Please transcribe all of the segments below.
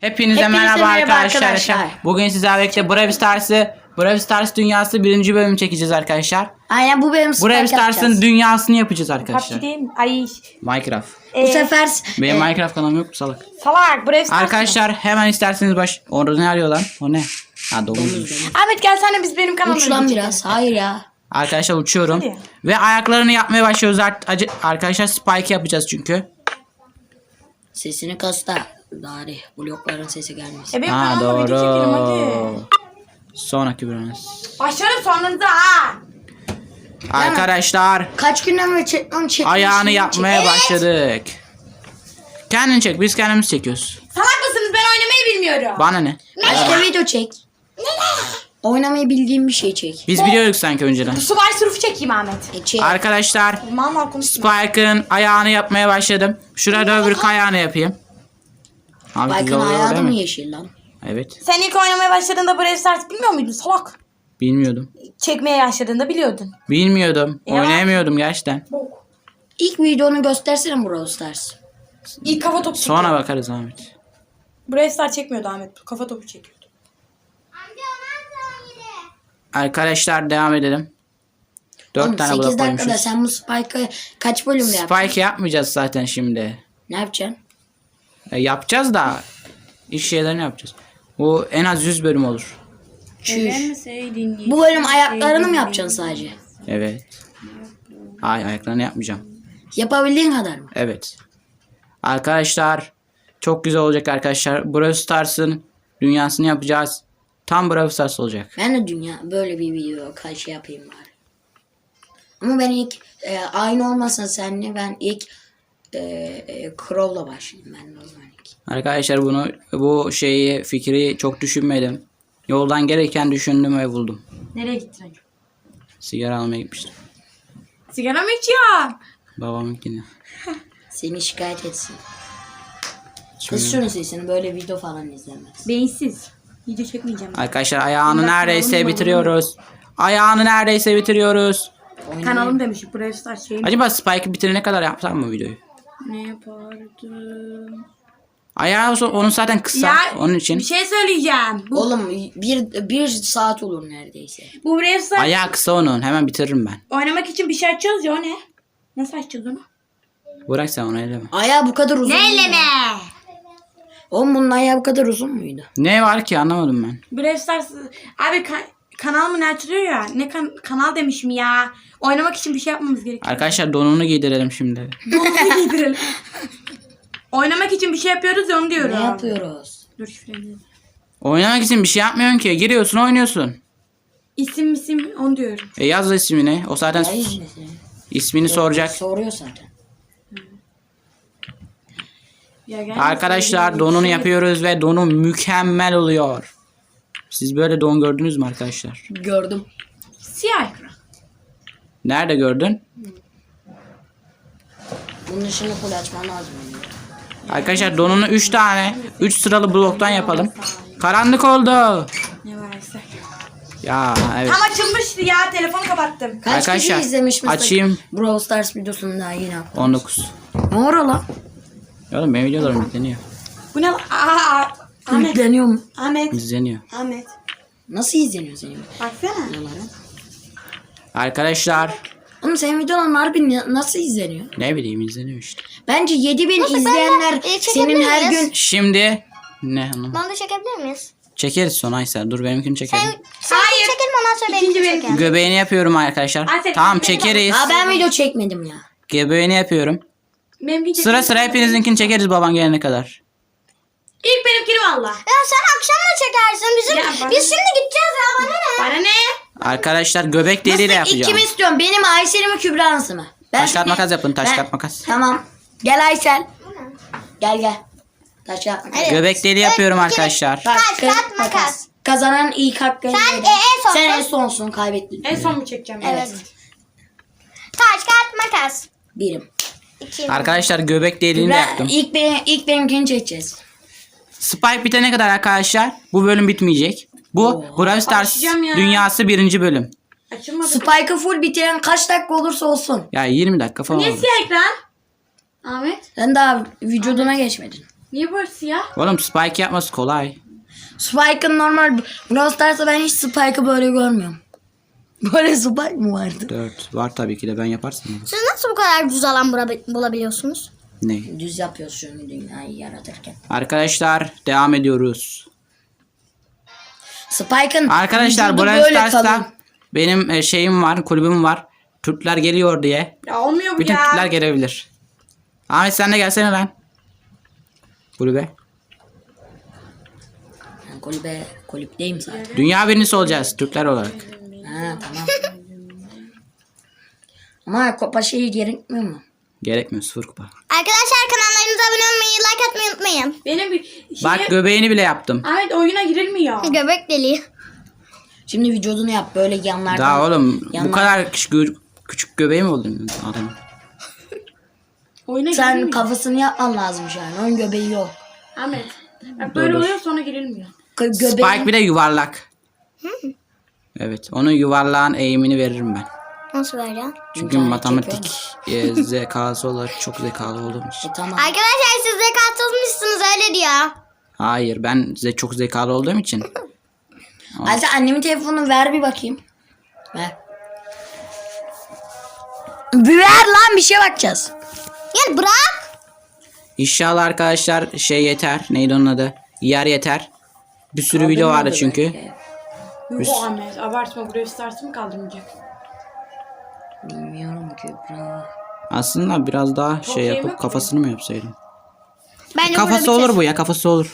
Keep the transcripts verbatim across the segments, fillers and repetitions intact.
Hepinize, Hepinize merhaba, merhaba arkadaşlar. arkadaşlar. Bugün sizlerle birlikte Brawl Stars'ı Brawl Stars dünyası birinci bölüm çekeceğiz arkadaşlar. Aynen bu bölüm Spike Brawl Stars'ın yapacağız. dünyasını yapacağız arkadaşlar. P U B G değil mi? Ay. Minecraft. Bu Ee, sefer Benim e, Minecraft kanalım yok mu salak? Salak. Brawl Stars Arkadaşlar hemen isterseniz baş... Orada ne arıyor lan? O ne? Ha domuzmuş. mı? Ahmet gelsene biz benim kanalıma uç lan gideceğiz. biraz. Hayır ya. Arkadaşlar uçuyorum. Hadi. Ve ayaklarını yapmaya başlıyoruz art- acı- arkadaşlar. Spike yapacağız çünkü. Sesini kasta. Dari blokların sesi gelmesin. E benim Ha kanalıma video çekelim hadi. doğru. Sonraki bölümümüz. Başlarım sonunda ha. Arkadaşlar Kaç günden beri çekmem çekmem. ayağını yapmaya başladık. Kendin çek, biz kendimiz çekiyoruz. Salak mısınız? Ben oynamayı bilmiyorum. Bana ne? Başka video çek. Oynamayı bildiğim bir şey çek. Biz biliyorduk sanki önceden. Subay sürüfü çekeyim Ahmet. E, çek. Arkadaşlar Mal mal konuşma. Spike'ın ayağını yapmaya başladım. Şurada öbür ayağını yapayım. Abi güzel Spike'ın oluyor ayağı da değil mı mi? yeşil lan? Evet. Sen ilk oynamaya başladığında Brawl Stars bilmiyor muydun salak? Bilmiyordum. Çekmeye başladığında biliyordun. Bilmiyordum. Ya. Oynayamıyordum gerçekten. İlk videonu göstersene Brawl Stars. İlk kafa topu çekiyordu. Sonra bakarız Ahmet. Brawl Stars çekmiyordu Ahmet. Kafa topu çekiyordu. Arkadaşlar devam edelim. Dört Oğlum, tane sekiz blok dakikada koymuşuz. sen bu Spike'ı kaç bölümde yaptın? Spike yapmayacağız zaten şimdi. Ne yapacaksın? E, yapacağız da iş şeylerini yapacağız. Bu en az yüz bölüm olur. Çüş. Bu bölüm ayaklarını mı yapacaksın sadece? Evet. Ay ayaklarını yapmayacağım. Yapabildiğin kadar mı? Evet. Arkadaşlar çok güzel olacak arkadaşlar. Brawl Stars'ın dünyasını yapacağız. Tam Brawl Stars olacak. Ben de dünya böyle bir video kaç şey yapayım bari. Ama ben ilk e, aynı olmasa seninle ben ilk e, e, Crow'la başlayayım ben de o zaman ilk. Arkadaşlar bunu bu şeyi fikri çok düşünmedim. Yoldan gereken düşündüm ve buldum. Nereye gittin acaba? Sigara almaya gitmiştim. Sigara mı içiyorsun? Babamınkini. Seni şikayet etsin. Kız şunun sesini böyle video falan izlemez. Beyinsiz. Video çekmeyeceğim. Arkadaşlar ayağını Bir dakika, neredeyse oğlum, bitiriyoruz. Ayağını neredeyse bitiriyoruz. Kanalım demişim. Brawl Stars şeyim. Acaba Spike'ı bitirene kadar yapsam mı videoyu? Ne yapardım? Ayağı olsa- onun zaten kısa. Ya Onun için. bir şey söyleyeceğim. Bu, Oğlum bir, bir saat olur neredeyse. bu Brawl Stars Ayağı kısa onun. Hemen bitiririm ben. oynamak için bir şey açıyoruz ya o ne? Nasıl açacağız onu? Bırak sen onu elleme. Ayağı bu kadar uzun. Elleme. Oğlum bunun ayağı bu kadar uzun muydu? Ne var ki anlamadım ben. Brawl Stars abi ka- kanal mı ne açılıyor ya? Ne kan- kanal demişim ya. Oynamak için bir şey yapmamız gerekiyor. Arkadaşlar donunu giydirelim şimdi. Donunu giydirelim. Oynamak için bir şey yapıyoruz ya onu diyorum. Ne yapıyoruz? Dur şifreni. Oynamak için bir şey yapmıyorsun ki. Giriyorsun oynuyorsun. İsim isim onu diyorum. E yaz ismini. O zaten Ay, mesela. ismini soracak. Soruyor zaten. Ya gel. Arkadaşlar donunu yapıyoruz ve donu mükemmel oluyor. Siz böyle don gördünüz mü arkadaşlar? Gördüm. Siyah ekran. Nerede gördün? Bunun ışığını full açman lazım. Arkadaşlar donunu üç tane üç sıralı bloktan yapalım. Karanlık oldu. Ne varsa. Ya evet. Tam açılmıştı ya telefonu kapattım. Kaç Arkadaşlar, kişi izlemiş mesela açayım. Brawl Stars videosunu daha yeni attım. on dokuz. Ne ora lan? Oğlum benim videolarım yükleniyor. Bu ne lan? Aa, Ahmet. Yükleniyor mu? Ahmet. İzleniyor. Ahmet. Nasıl izleniyor senin Baksana. videoların? Arkadaşlar Oğlum senin videoların harbi na- nasıl izleniyor? ne bileyim izleniyor işte. Bence yedi bin izleyenler e, çekebilir senin her miyiz? gün... Şimdi ne hanım? Bana da çekebilir miyiz? Çekeriz sonra Aysel. Dur benimkini çekelim. Sen, sen Hayır. çekelim ondan sonra İkinci benimkini benim. çekelim. Göbeğini yapıyorum arkadaşlar. Aysel, Tamam ikinci benim. çekeriz. Aa ben video çekmedim ya. Göbeğini yapıyorum. Benimki Sıra sıra hepinizinkini çekeriz baban gelene kadar. İlk benimkini valla. Ya sen akşam da çekersin. Bizim, Ya bana- biz şimdi gideceğiz ya bana ne? Bana ne? Arkadaşlar göbek deliğiyle yapacağım. Kimi istiyorum? Benim Aysel'i mi Kübra'nsı mı? Ben Taş kağıt makas yapın taş Ben- kağıt makas. Tamam. Gel Aysel. Gel gel. Taş kağıt makas. Evet. Göbek deliği yapıyorum Evet, arkadaşlar. Taş, kağıt, makas. Kazanan ilk hakkı. Sen, e, en sonsun. Sen en sonsun kaybettin. En son mu çekeceğim? Evet. Taş, kağıt, makas. Birim. İki. Arkadaşlar göbek deliğini de Kübra, yaptım. ilk, benim, ilk benimkini çekeceğiz. Spike bitene kadar arkadaşlar bu bölüm bitmeyecek. Bu Oo. Brawl Stars Açacağım ya. dünyası birinci bölüm. Açılmadı. Spike'ı full bitiren kaç dakika olursa olsun. Ya yirmi dakika falan Niye olur. siyah ekran? Ahmet. Sen daha vücuduna geçmedin. Niye böyle siyah? Oğlum Spike yapması kolay. Spike'ın normal Brawl Stars'ta ben hiç Spike'ı böyle görmüyorum. Böyle Spike mı vardı? dört var tabii ki de ben yaparsam. Siz nasıl bu kadar düz alan bula- bulabiliyorsunuz? Ne? Düz yapıyoruz şunu dünyayı yaratırken. Arkadaşlar devam ediyoruz. Spike'ın Arkadaşlar vücudu Brawl böyle kalın. Stars'ta benim e, şeyim var, kulübüm var. Türkler geliyor diye. Ya olmuyor bu Bütün ya. Türkler gelebilir. Ahmet sen de gelsene lan. Kulübe. Ben kulübe, kulüpteyim zaten. Dünya birincisi olacağız Türkler olarak. Ha tamam. Ama kupa şeyi gerekmiyor mu? Gerekmiyor sıfır kupa. Arkadaşlar kanallarımıza abone olmayı, like atmayı unutmayın. Benim bir şey... Bak göbeğini bile yaptım. Ahmet oyuna girilmiyor. Göbek deliği. Şimdi vücudunu yap böyle yanlardan. Daha oğlum bu yanlar- kadar küçük, gö- küçük göbeği mi oldu adamın? Oyuna Sen girilmiyor. kafasını yapman lazımmış yani. Onun göbeği yok. Ahmet. Bak böyle Dur, dur. oluyor sonra girilmiyor. Gö- göbeğin... Spike bir de yuvarlak. Evet onun yuvarlağın eğimini veririm ben. Nasıl böyle? Çünkü İnternet matematik e, zekası olarak çok zekalı olduğum için. E, tamam. Arkadaşlar siz de katılmışsınız öyle diyor. Hayır ben size çok zekalı olduğum için. Ayşe annemin telefonunu ver bir bakayım. Ver. Bir ver lan bir şeye bakacağız. Yani bırak. İnşallah arkadaşlar şey yeter. Neydi onun adı? Yer yeter. Bir sürü video vardı çünkü. Yok Ahmet abartma buraya Stars'ı mı kaldırmayacak? Bilmiyorum ki. Bravo. Aslında biraz daha şey şey yapıp yok mu? kafasını mı yapsaydım? Bence Kafası burada olur bu ya kafası olur.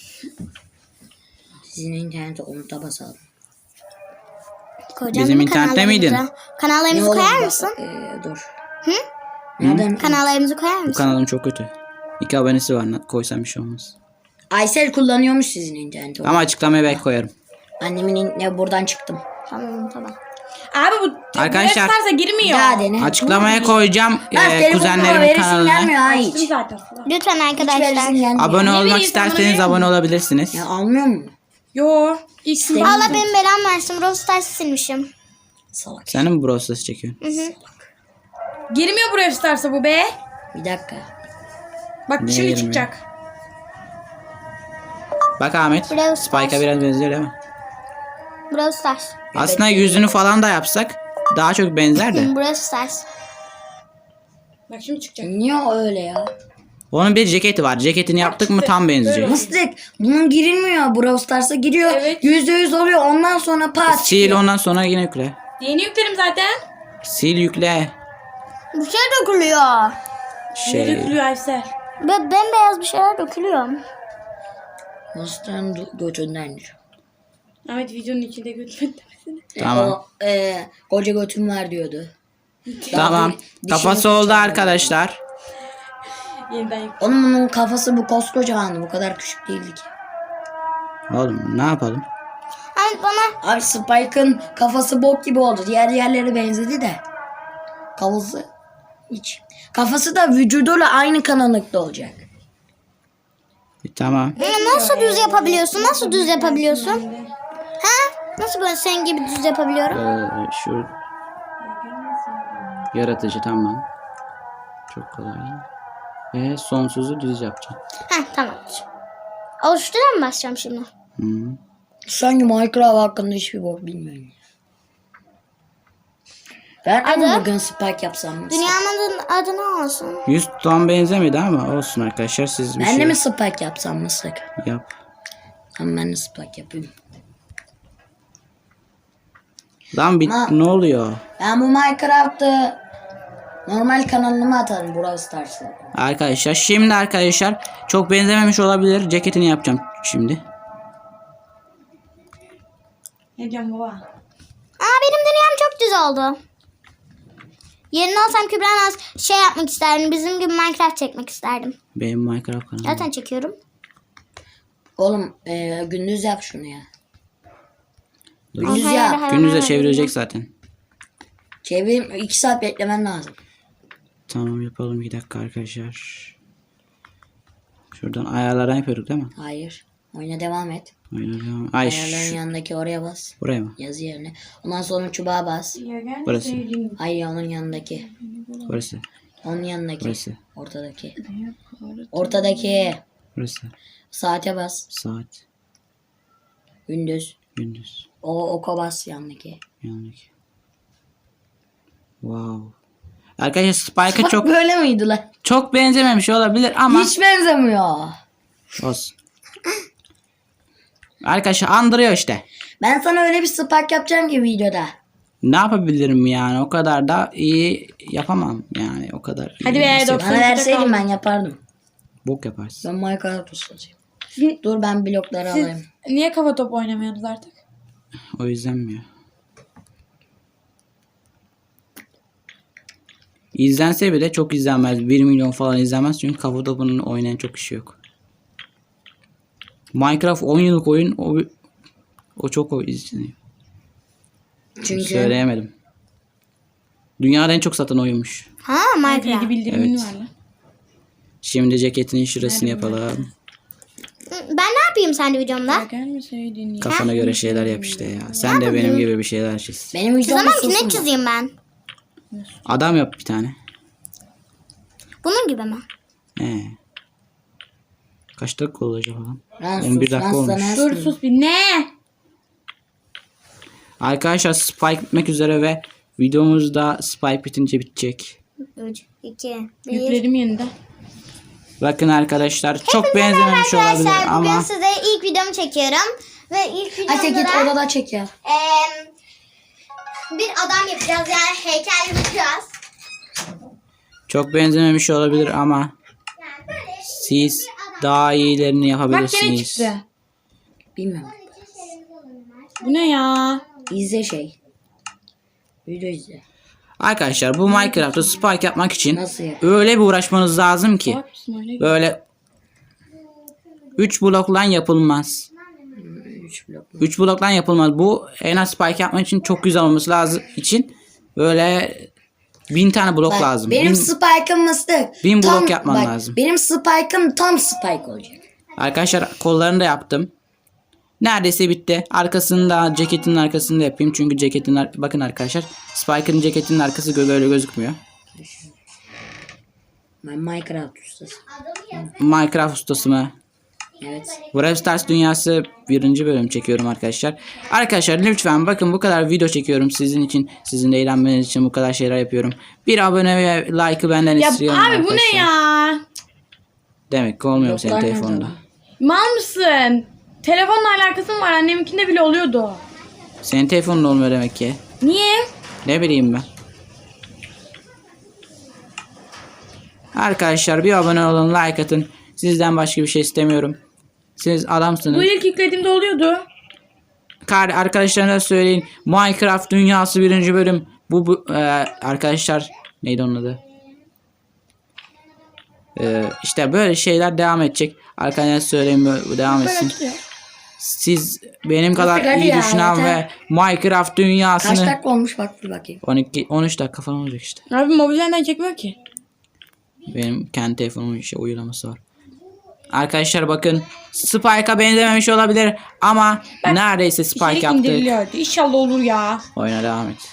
Sizin internete unuta basalım. Koyacağım Bizim değil mi internette kanallarımıza? miydin? Kanallarımızı olur koyar bak- mısın? Ee, dur. Hı? Nereden? Kanallarımızı koyar Bu mısın? kanalım çok kötü. İki abonesi var. Koysam bir şey olmaz. Aysel kullanıyormuş sizin interneti. Ama açıklamaya belki koyarım. Annemin in- buradan çıktım. Tamam tamam. Abi bu Arkadaşlar- Brawl Stars'a girmiyor. Daha dene. Açıklamaya koyacağım Lan e, telefonuma kuzenlerimin veresim kanalına. gelmiyor ha Açtım hiç. zaten. Lütfen Hiç veresim arkadaşlar. gelmiyor. Abone olmak vereyim, isterseniz sana vereyim abone olabilirsiniz. Ya almıyor mu? Yo. İsim Allah benim belamı versin. Brawl Stars'ı silmişim. Salak. Sen de mi Brawl Stars çekiyorsun? Girmiyor buraya Stars'a bu be. Bir dakika. Bak Niye şimdi girmiyor? çıkacak. Bak Ahmet. Brawl Stars. Spike'a biraz benziyor değil mi? Brawl Stars. Aslında yüzünü falan da yapsak daha çok benzer de. Brawl Stars. Bak şimdi çıkacak. Niye öyle ya? Onun bir ceketi var. Ceketini yaptık mı tam benzeyecek. Mıstık. Bunun girilmiyor. Brawl Stars'a giriyor. Evet. Yüzde yüz oluyor. Ondan sonra pas. Sil ondan sonra yine yükle. Yeni yüklerim zaten. Sil yükle. Bir şey dökülüyor. Ne Şey. dökülüyor Aysel? Be bembeyaz bir şeyler dökülüyor. Mıstık'ın do- götündendir. Ahmet videonun içinde götürmek demesine. Tamam. O, e, koca götüm var diyordu. Tamam. Bir- Kafası dişini oldu fırçaladı. arkadaşlar. Yeniden yük. Onun bunun kafası bu koskocamandı. Bu kadar küçük değildi ki. Oğlum ne yapalım? Hani bana Abi Spike'ın kafası bok gibi oldu. Diğer yerlere benzedi de. Kafası hiç. Kafası da vücuduyla aynı kanallıkta olacak. E, tamam. Ama nasıl düz yapabiliyorsun? Nasıl düz yapabiliyorsun? Ha? Nasıl böyle senin gibi düz yapabiliyorum? Ee, şu yaratıcı tamam. Çok kolay. Ve sonsuzu düz yapacağım. Ha tamamdır. Oluştura mı basacağım şimdi? Hı. Sanki Minecraft hakkında hiçbir bok bilmiyorum. Ben Adı? ama bugün Spike yapsam mı? Dünyanın adı, adı ne olsun? Yüz tam benzemedi ama olsun arkadaşlar siz bir Ben de şey mi Spike yapsam mısık? yap. Tamam ben de Spike yapayım. Lan bit Ama- ne oluyor? Ben bu Minecraft'ı normal kanalıma atarım Brawl Stars'ı. Arkadaşlar şimdi arkadaşlar çok benzememiş olabilir. Ceketini yapacağım şimdi. Ne diyorsun baba? Aa benim dünyam çok düz oldu. Yerine olsam Kübra'nın az şey yapmak isterdim. Bizim gibi Minecraft çekmek isterdim. Benim Minecraft kanalım. Zaten çekiyorum. Oğlum e, gündüz yap şunu ya. Dur. Gündüz Hayır, yap. hayır, Gündüzde hayır. çevirecek zaten. Çevireyim iki saat beklemen lazım. Tamam yapalım bir dakika arkadaşlar. Şuradan ayarlardan yapıyorduk değil mi? Hayır. Oyuna devam et. Ayarlardan. Ay Ayarların şu, yanındaki oraya bas. buraya mı? Yazı yerine. Ondan sonra çubuğa bas. Burası. Hayır onun yanındaki. Burası. Onun yanındaki. Burası. Ortadaki. Ortadaki. Burası. Saate bas. Saat. Gündüz. Gündüz. O oka bas yandaki. Yanındaki. Wow. Arkadaşlar Spike'a Bak çok böyle miydi lan? çok benzememiş olabilir ama Hiç benzemiyor. olsun. Arkadaşlar andırıyor işte. Ben sana öyle bir spike yapacağım ki videoda. Ne yapabilirim yani? O kadar da iyi yapamam yani. O kadar iyi Hadi be, nasıl- doksan. Bana verseydin ben yapardım. Bok yaparsın. Ben Minecraft ustasıyım. Siz, Dur ben blokları siz alayım. niye kafa top oynamıyorsunuz artık? O yüzden mi ya? İzlense bile çok izlenmez. bir milyon falan izlenmez. Çünkü kafa topunun oynayan çok kişi yok. Minecraft on yıllık oyun. O, o çok o izleniyor. Çünkü Söyleyemedim. Dünyada en çok satan oyunmuş. Ha Bilgi Minecraft. bildirimin Evet. var lan. Şimdi ceketinin şurasını Nerede bu? yapalım. Ben ne yapayım sende videomda? Gelmeseydin ya. Kafana göre şeyler yap işte ya. Sen de benim gibi bir şeyler çiz. benim videom Çizemem ki, ne ustasım. çizeyim ben? Adam yap bir tane. Bunun gibi mi? He. Kaç dakika olacak falan? Lan on bir sus, dakika lan olmuş. sana Dur sus. sus bir ne? Arkadaşlar Spike bitmek üzere ve videomuzda Spike bitince bitecek. üç, iki, bir. Yükledim yeniden. Bakın arkadaşlar çok benzememiş olabilir Arkadaşlar bugün ama size ilk videomu çekiyorum. Ve ilk videomda Ayşe git da, odada çek ya. eee, bir adam yapacağız, yani heykel yapacağız. çok benzememiş olabilir ama Yani böyle siz daha iyilerini Bak gene yapabilirsiniz. çıktı. Bilmiyorum. Bu ne ya? İzle şey. Video izle. Arkadaşlar bu Minecraft'ta Spike yapmak için Nasıl yap? öyle bir uğraşmanız lazım ki Bak İsmail'e. böyle üç blokla yapılmaz. üç blok. üç blokla yapılmaz. Bu en az Spike yapmak için çok güzel olması lazım için böyle bin tane blok Bak, lazım. benim Bin- spike'ım mıstık. bin blok Tam- yapman bak, lazım. Benim spike'ım tam spike olacak. Arkadaşlar kollarını da yaptım. Neredeyse bitti. Arkasını da ceketin arkasını da yapayım. Çünkü ceketin ar- bakın arkadaşlar Spike'ın ceketinin arkası gö- böyle gözükmüyor. Ben Minecraft ustasıyım. Minecraft ustası mı? Evet. Brawl Stars dünyası birinci bölüm çekiyorum arkadaşlar. Arkadaşlar lütfen bakın bu kadar video çekiyorum sizin için. Sizin de eğlenmeniz için bu kadar şeyler yapıyorum. Bir abone ve like'ı benden Ya istiyorum abi arkadaşlar. bu ne ya? Demek ki olmuyor senin Bloklar telefonda. nerede? Mal mısın? Telefonla alakası mı var? Anneminkinde bile oluyordu. Senin telefonun olmuyor demek ki. Niye? Ne bileyim ben. Arkadaşlar bir abone olun, like atın. Sizden başka bir şey istemiyorum. Siz adamsınız. Bu ilk yüklediğimde oluyordu. Kar arkadaşlarına söyleyin. Minecraft dünyası birinci bölüm. Bu, bu e, arkadaşlar neydi onun adı? E, işte böyle şeyler devam edecek. Arkadaşlar söyleyin böyle bu devam Böyle etsin. açılıyor. Siz benim kadar hadi iyi ya, düşünen yeter. ve Minecraft Kaç dünyasını dakika olmuş bak bir bakayım. on iki on üç dakika falan olacak işte. Abi mobilden çekmiyor ki. Benim kendi telefonumun işte uygulaması var. Arkadaşlar bakın Spike'a benzememiş olabilir ama neredeyse Spike İçerik yaptık. indiriliyor. İnşallah olur ya. Oyuna devam et.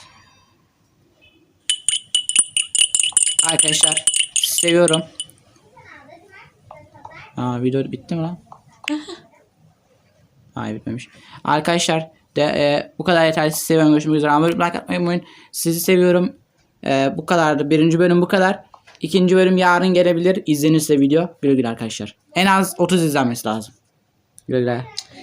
Arkadaşlar seviyorum. Aa video bitti mi lan? Hayır bitmemiş. Arkadaşlar de, e, bu kadar yeterli. Sizi seviyorum. Görüşmek üzere. Ama like atmayı unutmayın. Sizi seviyorum. E, bu kadardı. Birinci bölüm bu kadar. İkinci bölüm yarın gelebilir. İzlenirse video. Güle güle arkadaşlar. En az otuz izlenmesi lazım. Güle güle.